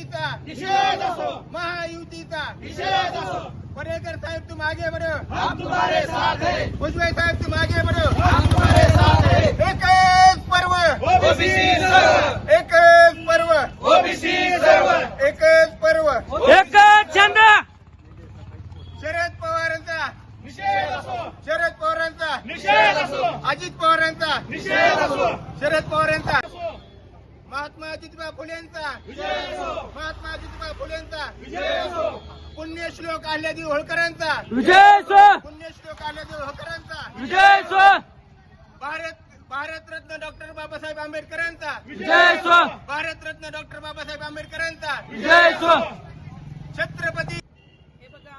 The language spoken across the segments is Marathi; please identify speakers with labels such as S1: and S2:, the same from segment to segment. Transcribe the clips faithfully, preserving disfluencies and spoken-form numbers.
S1: महायुतीचा
S2: निषेध असो,
S1: महायुतीचा
S2: निषेध असो।
S1: परेकर साहेब तुम आगे बढ़ो,
S2: हम तुम्हारे साथ हैं,
S1: भुजबळ साहेब तुम आगे बढ़ो,
S2: हम तुम्हारे साथ हैं।
S1: एकच पर्व,
S2: ओबीसी सर्व,
S1: एकच पर्व,
S2: ओबीसी सर्व,
S1: एकच पर्व,
S3: एकच छंद
S1: शरद पवारांचा
S2: निषेध असो,
S1: शरद पवारांचा
S2: निषेध असो,
S1: अजित पवारांचा
S2: निषेध असो,
S1: शरद पवारांचा महात्मा ज्योतिबा फुलेंचा
S2: विजय असो,
S1: महात्मा ज्योतिबा फुलेंचा
S2: विजय असो,
S1: पुण्यश्लोक अहिल्यादेवी होळकरांचा
S3: विजय स्व
S1: पुण्यश्लोक अहिल्यादेवी होळकरांचा
S3: विजय स्व
S1: भारत भारतरत्न डॉक्टर बाबासाहेब आंबेडकरांचा
S3: विजय स्व
S1: भारतरत्न डॉक्टर बाबासाहेब आंबेडकरांचा
S3: विजय स्व
S1: छत्रपती
S4: हे बघा,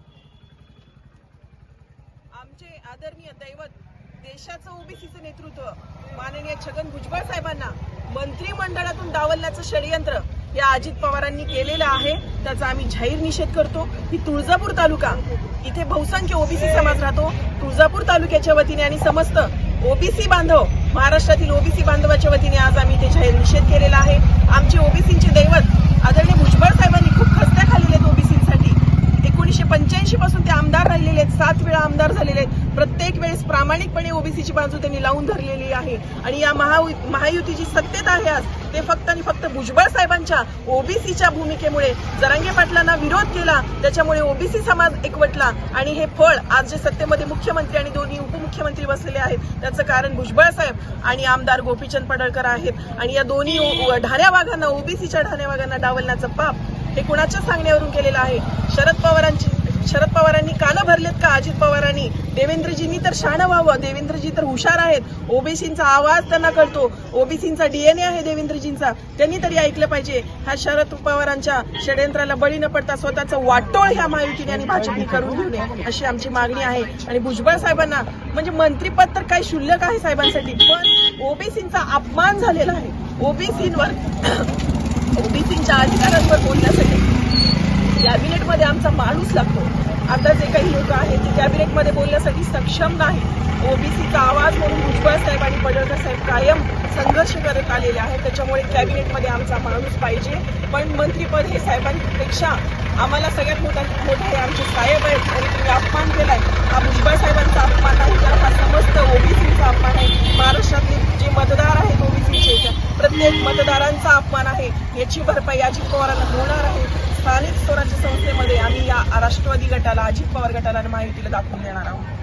S4: आमचे आदरणीय दैवत देशाचं ओबीसीचं नेतृत्व माननीय छगन भुजबळ साहेबांना मंत्रिमंडळातून डावलण्याचं षडयंत्र या अजित पवारांनी केलेलं आहे. त्याचा आम्ही जाहीर निषेध करतो. की तुळजापूर तालुका इथे बहुसंख्य ओबीसी समाज राहतो. तुळजापूर तालुक्याच्या वतीने आणि समस्त ओबीसी बांधव महाराष्ट्रातील ओबीसी बांधवाच्या वतीने आज आम्ही इथे जाहीर निषेध केलेला आहे. आमचे ओबीसींचे दैवत आदरणीय भुजबळ साहेबांनी खूप खस्त्या खाल्लेले आहेत ओबीसींसाठी. एकोणीसशे पंच्याऐंशी पासून ते आमदार राहिलेले आहेत, सात वेळा आमदार झालेले आहेत. प्रत्येक वेळेस प्रामाणिकपणे ओबीसीची बाजू त्यांनी लावून धरलेली आहे. आणि या महा महायुतीची सत्तेत आहे आज ते फक्त आणि फक्त भुजबळ साहेबांच्या ओबीसीच्या भूमिकेमुळे जरांगे पाटलांना विरोध केला, त्याच्यामुळे ओबीसी समाज एकवटला आणि हे फळ आज जे सत्तेमध्ये मुख्यमंत्री आणि दोन्ही उपमुख्यमंत्री बसलेले आहेत त्याचं कारण भुजबळ साहेब आणि आमदार गोपीचंद पडळकर आहेत. आणि या दोन्ही ढाण्या वाघांना ओबीसीच्या ढाण्या वाघांना डावलण्याचं पाप हे कुणाच्या सांगण्यावरून केलेलं आहे. शरद पवारांची शरद पवारांनी कानं भरलेत का अजित पवारांनी? देवेंद्रजींनी तर शहाणं व्हावं, देवेंद्रजी तर हुशार आहेत, ओबीसींचा आवाज त्यांना कळतो, ओबीसींचा डीएनए आहे देवेंद्रजींचा, त्यांनी तरी ऐकलं पाहिजे. ह्या शरद पवारांच्या षडयंत्राला बळी न पडता स्वतःचं वाटोळ ह्या महायुतीने आणि भाजपने करून घेऊ नये अशी आमची मागणी आहे. आणि भुजबळ साहेबांना म्हणजे मंत्रिपद तर काही क्षुल्लक आहे साहेबांसाठी, पण ओबीसींचा अपमान झालेला आहे. ओबीसींवर ओबीसींच्या अधिकारांवर बोलण्यासाठी कॅबिनेटमध्ये आमचा माणूस लागतो. आता जे काही लोक आहेत ते कॅबिनेटमध्ये बोलण्यासाठी सक्षम नाही. ओबीसीचा आवाज म्हणून भुजबळ साहेब आणि पडळकर साहेब कायम संघर्ष करत आलेले आहेत. त्याच्यामुळे कॅबिनेटमध्ये आमचा माणूस पाहिजे. पण मंत्रीपद हे साहेबांपेक्षा आम्हाला सगळ्यात मोठा मोठा हे आमचे साहेब आहेत आणि तुम्ही अपमान केलाय. हा भुजबळ साहेबांचा अपमान नाही तर हा समस्त ओबीसीचा अपमान आहे. महाराष्ट्रातले जे मतदार आहेत ओबीसीचे प्रत्येक मतदारांचा अपमान आहे. याची भरपाई अजित पवारांना होणार आहे. स्थानिक स्वराज्य संस्थेमध्ये आम्ही या राष्ट्रवादी गटाला, अजित पवार गटाला आणि महायुतीला दाखवून देणार आहोत.